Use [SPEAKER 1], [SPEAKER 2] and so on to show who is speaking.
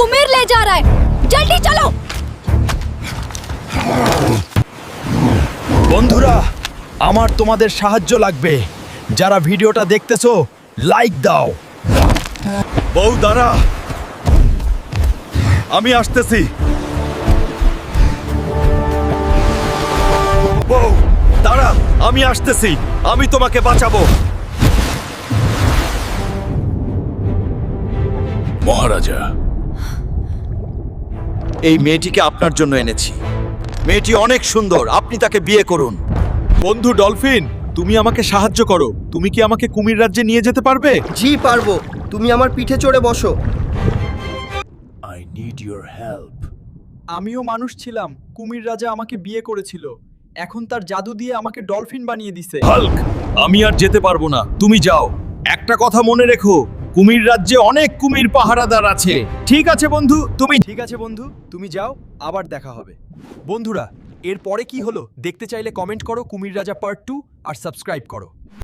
[SPEAKER 1] कुमीर ले जा रहा है, जल्दी चलो।
[SPEAKER 2] বন্ধুরা, আমার তোমাদের সাহায্য লাগবে। যারা ভিডিওটা দেখতেছো লাইক দাও। বউ দাঁড়া, আমি আসতেছি। বউ দাঁড়া, আমি আসতেছি, আমি তোমাকে বাঁচাবো।
[SPEAKER 3] মহারাজা,
[SPEAKER 2] এই মেয়েটিকে আপনার জন্য এনেছি। মেয়েটি অনেক সুন্দর, আপনি তাকে বিয়ে করুন। বন্ধু ডলফিন, তুমি আমাকে সাহায্য করো। তুমি কি আমাকে কুমির রাজ্যে নিয়ে যেতে পারবে?
[SPEAKER 4] জি পারবো, তুমি আমার পিঠে চড়ে বসো।
[SPEAKER 3] I need your help.
[SPEAKER 2] আমিও মানুষ ছিলাম, কুমির রাজা আমাকে বিয়ে করেছিল। এখন তার জাদু দিয়ে আমাকে ডলফিন বানিয়ে দিছে। হাল্ক, আমি আর যেতে পারবো না, তুমি যাও। একটা কথা মনে রেখো, কুমির রাজ্যে অনেক কুমির পাহারাদার আছে। ঠিক আছে বন্ধু, তুমি যাও, আবার দেখা হবে। বন্ধুরা, এর পরে কি হলো দেখতে চাইলে কমেন্ট করো কুমির রাজা পার্ট 2 আর সাবস্ক্রাইব করো।